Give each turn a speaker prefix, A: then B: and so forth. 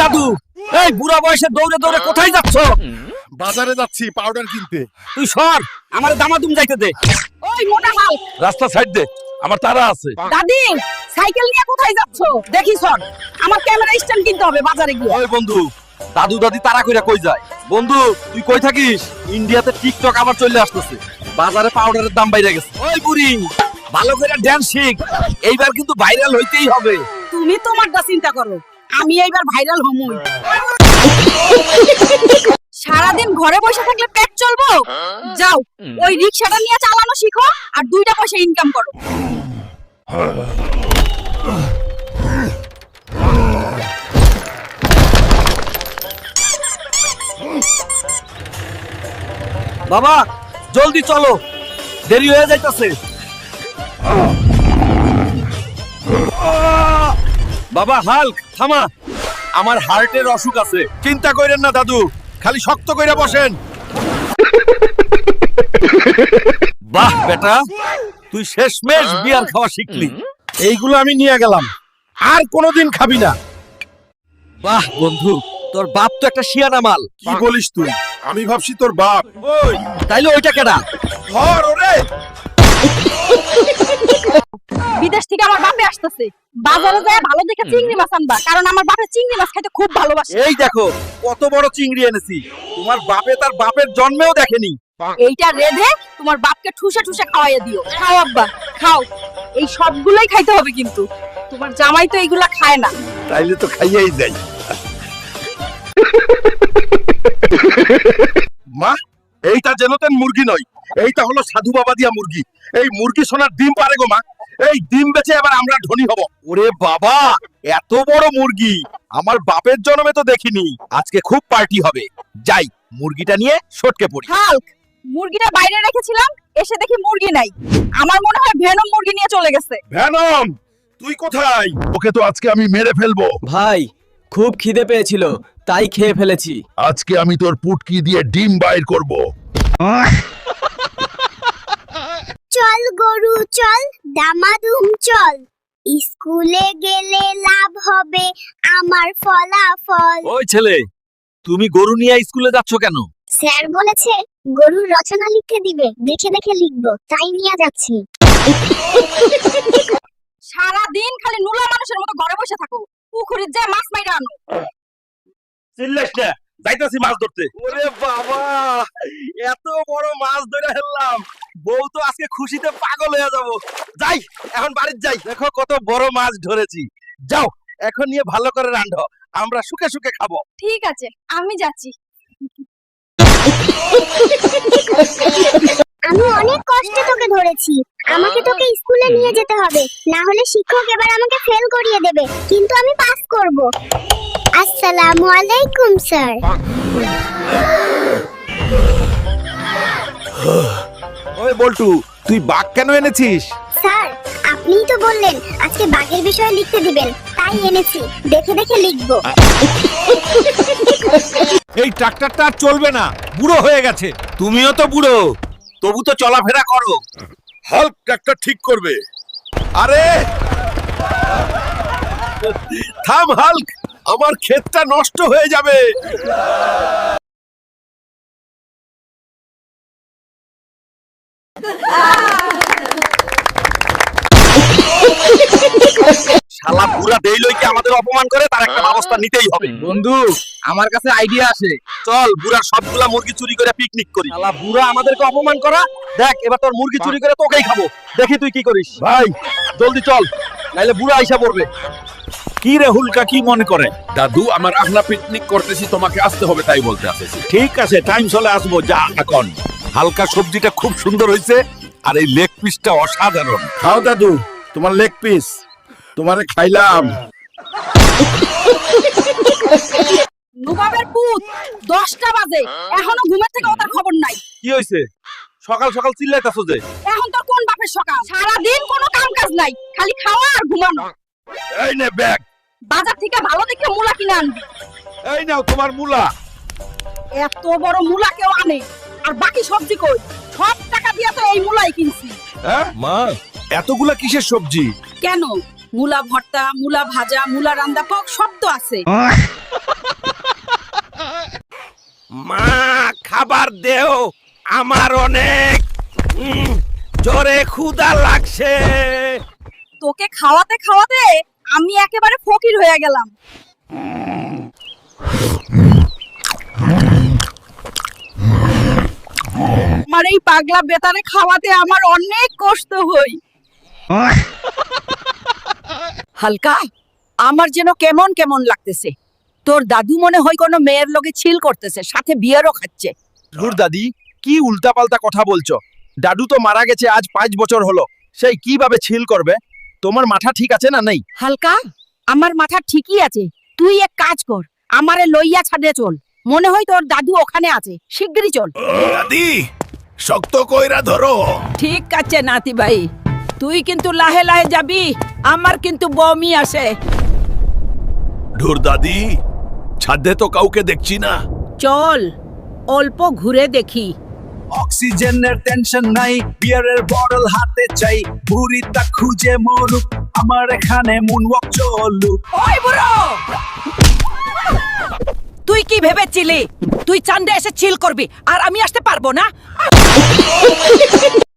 A: দাদু, এই বুড়া বয়সে দৌড়ে দৌড়ে কোথায় যাচ্ছ?
B: বাজারে যাচ্ছি পাউডার কিনতে।
A: তুই সর, আমার দামাদুম যাইতে দে।
C: ওই মোটা মাল,
A: রাস্তা সাইড দে, আমার তারা আছে।
C: দাদি সাইকেল নিয়ে কোথায় যাচ্ছ? দেখি সর, আমার ক্যামেরা স্ট্যান্ড কিনতে হবে বাজারে গিয়ে।
A: ওই বন্ধু, দাদু দাদি তারা কইরা কই যায়? বন্ধু তুই কই থাকিস? ইন্ডিয়াতে টিকটক আবার চলে আসতেছে, বাজারে পাউডারের দাম বাইরে গেছে। ওই বুড়ি, ভালো করে ড্যান্স শিখ, এইবার কিন্তু ভাইরাল হইতেই হবে।
C: তুমি তোমারটা চিন্তা করো, আমি এইবার ভাইরাল হমুই। সারাদিন ঘরে বসে থাকলে পেট চলবো? যাও ওই রিকশাটা নিয়ে চালানো শিখো আর 2টা পয়সা ইনকাম করো।
A: বাবা জলদি চলো, দেরি হয়ে যাইতাছে। বাবা হাল্ক থামা, আমার হার্টের অসুখ আছে।
B: চিন্তা কইরেন না দাদু, খালি শক্ত কইরা বসেন।
A: বাহ বেটা, তুই শেষমেশ বিয়ার খাওয়া শিখলি।
B: এইগুলো আমি নিয়ে গেলাম, আর কোনোদিন খাবি না।
A: বাহ বন্ধু, তোর বাপ তো একটা শিয়ানা মাল।
B: কি বলিস তুই? আমি ভাবছি তোর বাপ। ওই
A: তাইলে ওইটা কেডা?
B: ধর ওরে।
C: বিদেশ থেকে আমার বাপে আসতেছে, বাজারে যায় ভালো দেখে চিংড়ি মাছ আনবা, কারণ আমার বাপে চিংড়ি মাছ খাইতে খুব ভালোবাসে।
A: এই দেখো কত বড় চিংড়ি এনেছি, তোমার বাপে তার বাপের জন্মেও দেখেনি।
C: এইটা রেধে তোমার বাপকে ঠুসে ঠুসে খাওয়াইয়া দিও। খাও আব্বা খাও, এই সবগুলাই খাইতে হবে, কিন্তু তোমার জামাই তো এইগুলা খায় না।
B: তাইলে তো খাইয়াই যাই। মা, এইটা যেনতেন মুরগি নয়, এইটা হলো সাধু বাবা দিয়া মুরগি। এই মুরগি সোনার ডিম পারে গো মা, এই ডিম বেচে এবার আমরা ধনী হব।
A: ওরে বাবা, এত বড় মুরগি আমার বাপের জন্মে তো দেখিনি। আজকে খুব পার্টি হবে, যাই মুরগিটা নিয়ে সটকে পড়ি।
C: হাল্ক, মুরগিটা বাইরে রেখেছিলাম, এসে দেখি মুরগি নাই। আমার মনে হয় ভেনম মুরগি নিয়ে চলে গেছে।
B: ভ্যানম, তুই কোথায়? ওকে তো আজকে আমি মেরে ফেলবো।
D: ভাই খুব খিদে পেয়েছিল, তাই খেয়ে ফেলেছি।
B: আজকে আমি তোর পুটকি দিয়ে ডিম বাইর করব।
E: চল গরু চল, দামাদুম চল, স্কুলে গেলে লাভ হবে আমার ফলাফল।
A: ওই ছেলে, তুমি গরু নিয়ে স্কুলে যাচ্ছ কেন?
E: স্যার বলেছে গরুর রচনা লিখতে দিবে, দেখে দেখে লিখবো, তাই নিয়ে যাচ্ছি।
C: সারা দিন খালি নুলা মানুষের মতো ঘরে বসে থাকো, পুকুরের যায় মাছ মাইরা আনো।
A: চিল্লাস না, যাইতাছি মাছ ধরতে। ওরে বাবা, এত বড় মাছ ধরে ফেললাম, বউ তো আজকে খুশিতে পাগল হয়ে যাব। যাই এখন বাড়িতে যাই, দেখো কত বড় মাছ ধরেছি। যাও এখন নিয়ে ভালো করে রান্ধো, আমরা সুখে সুখে খাবো।
C: ঠিক আছে, আমি যাচ্ছি।
E: আমি অনেক কষ্টে তোকে ধরেছি, আমাকে তোকে স্কুলে নিয়ে যেতে হবে, না হলে শিক্ষক এবার আমাকে ফেল করিয়ে দেবে, কিন্তু আমি পাস করব। আসসালামু আলাইকুম স্যার।
B: ওই বল্টু, তুই বাঘ কেন এনেছিস?
E: স্যার আপনিই তো বললেন আজকে বাঘের বিষয়ে লিখতে দিবেন, তাই এনেছি, দেখে দেখে লিখবো।
B: এই ট্রাক্টরটা আর চলবে না, বুড়ো হয়ে গেছে।
A: তুমিও তো বুড়ো, তবু তো চলাফেরা করো।
B: হাল্ক ট্রাক্টর ঠিক করবে। আরে থাম হাল্ক, আমার ক্ষেতটা নষ্ট হয়ে যাবে।
A: শালা বুড়া দেই লইকে আমাদের অপমান করে, তার একটা ব্যবস্থা নিতেই হবে।
D: বন্ধু আমার কাছে আইডিয়া আছে।
A: চল বুড়ার সবগুলা মুরগি চুরি করে পিকনিক করি। শালা বুড়া আমাদেরকে অপমান করা, দেখ এবার তোর মুরগি চুরি করে তোকেই খাবো, দেখি তুই কি করিস।
B: ভাই
A: জলদি চল, নাইলে বুড়া আইসা পড়বে। কি রে হুলকা, কি মনে করে?
B: দাদু, আমার আখলা পিকনিক করতেছি, তোমাকে আসতে হবে তাই বলতে আসেছি।
A: ঠিক আছে, টাইম চলে আসবো, যা এখন। হালকা সবজিটা খুব সুন্দর হয়েছে, আর এই লেগ পিসটা অসাধারণ।
B: খাও দাদু, তোমার লেগ পিস, তোমারে খাইলাম।
C: নবাবের পুত, 10টা বাজে, এখনো ঘুমের থেকে ওটার খবর নাই।
A: কি হয়েছে? সকাল সকাল চিল্লাইতাছো যে?
C: এখন তোর কোন বাপের সকাল? সারা দিন কোনো কাম কাজ নাই, খালি খাওয়া আর ঘুমানো।
B: এই নে ব্যাগ,
C: বাজার থেকে ভালো দেখে মূলা কিনে আনবি।
B: এই নাও তোমার মূলা।
C: এত বড় মূলা কেউ আনে, আর বাকি সবজি কই? সব টাকা দিয়ে তো এই মূলাই কিনছি।
B: হ্যাঁ মা, এতগুলা কিসের সবজি?
C: কেন, মূলা ভর্তা, মূলা ভাজা, মূলা রান্দা, পক সব তো আছে।
A: মা খাবার দেও, আমার অনেক জোরে ক্ষুধা লাগছে।
C: তোকে খাওয়াতে খাওয়াতে আমি একেবারে ফকির হয়ে গেলাম। আমার এই পাগলা বেটারে খাওয়াতে আমার অনেক কষ্ট হই।
F: হালকা, আমার যেন কেমন কেমন লাগতেছে। তোর দাদু মনে হয় কোনো মেয়ের লগে ছিল করতেছে, সাথে বিয়ারও খাচ্ছে।
B: ধুর দাদি, কি উল্টাপাল্টা কথা বলছো? দাদু তো মারা গেছে আজ 5 বছর হলো, সেই কিভাবে ছিল করবে? তোমার মাথা ঠিক আছে না নেই?
F: হালকা, আমার মাথা ঠিকই আছে। তুই এক কাজ কর, আমারে লইয়া ছাদে চল। মনে হয় তোর দাদু ওখানে আছে, শিগগিরই চল।
A: দাদি শক্ত কইরা ধরো।
F: ঠিক আছে নাতি ভাই, তুই কিন্তু লাহে লাহে যাবি, আমার কিন্তু বমি আসে।
A: ধুর দাদি, ছাদে তো কাউকে দেখছি না।
F: চল অল্প ঘুরে দেখি।
D: অক্সিজেনের টেনশন নাই, বিয়ারের বটল হাতে চাই, বুড়িটা খুঁজে মরুক, আমার এখানে মুনওয়াক চলুক।
F: ওই বুড়ো, তুই কি ভেবেছিলি তুই চান্দে এসে চিল করবি আর আমি আসতে পারবো না?